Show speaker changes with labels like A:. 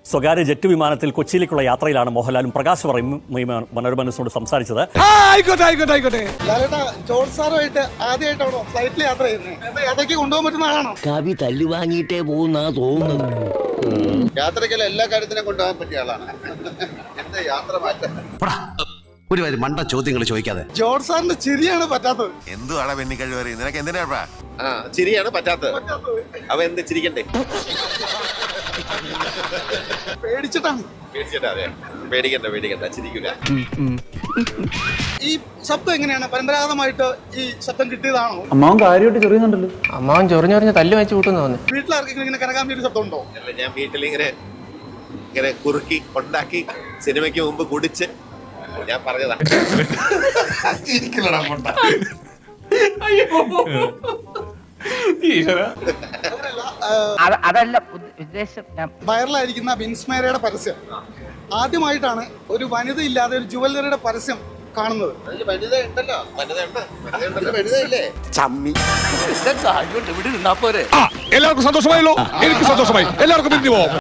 A: സ്വകാര്യ ജെറ്റ് വിമാനത്തിൽ കൊച്ചിയിലേക്കുള്ള യാത്രയിലാണ് മോഹൻലാലും പ്രകാശ് മനോരമനോട് സംസാരിച്ചത്.
B: ജോർജ് സാറുമായിട്ട് ആദ്യമായിട്ടാണോ ഫ്ലൈറ്റിൽ യാത്ര ചെയ്യുന്നത്? യാത്രയ്ക്ക് കൊണ്ടുപോകാൻ പറ്റുന്ന ആളാണോ?
C: കവി തല്ലു വാങ്ങിയിട്ടേ പോകുന്ന തോന്നുന്നത്.
D: യാത്രയ്ക്കല്ല എല്ലാ കാര്യത്തിനും കൊണ്ടുപോകാൻ പറ്റിയ ആളാണ്. എന്താ യാത്ര മാറ്റം?
E: ഒരു മണ്ട ചോദ്യങ്ങൾ ചോദിക്കാതെ.
B: ജോർജ് സാറിന്റെ ചിരിയാണ് പറ്റാത്തത്.
F: എന്തുവാടാ പെണ്ണിക്കഴിവ്? നിനക്ക് എന്തിനാ?
D: ചിരിയാണ് പറ്റാത്തത്. അവ എന്ത് ചിരിക്കണ്ടേ?
B: പേടിച്ചിട്ടാണ്.
D: അതെ, പേടിക്കണ്ട, ചിരിക്കില്ല.
B: ഈ ശബ്ദം എങ്ങനെയാണ്? പരമ്പരാഗതമായിട്ട് ഈ ശബ്ദം കിട്ടിയതാണോ?
G: അമ്മാവൻ കാര്യമായിട്ട് ചെറിയുന്നുണ്ടല്ലോ.
H: അമ്മാവൻ ചൊറിഞ്ഞൊറിഞ്ഞ് തല്ല് വെച്ച് കൂട്ടുന്നു.
B: വീട്ടിലാർക്കെങ്കിലും ഇങ്ങനെ കനകാമ്പി ഒരു ശബ്ദം ഉണ്ടോ?
D: അല്ല, ഞാൻ വീട്ടിൽ ഇങ്ങനെ കുറുക്കി ഉണ്ടാക്കി സിനിമയ്ക്ക് മുമ്പ് കുടിച്ച് ഞാൻ പറഞ്ഞതാ.
I: അതല്ല ഉദ്ദേശം.
B: വൈറലായിരിക്കുന്ന വിൻസ്മേരയുടെ പരസ്യം ആദ്യമായിട്ടാണ് ഒരു വനിത ഇല്ലാതെ ഒരു ജുവലറിയുടെ പരസ്യം കാണുന്നത്.
F: എല്ലാവർക്കും സന്തോഷമായല്ലോ. എനിക്ക് സന്തോഷമായി. എല്ലാവർക്കും പിരിഞ്ഞു പോവാം.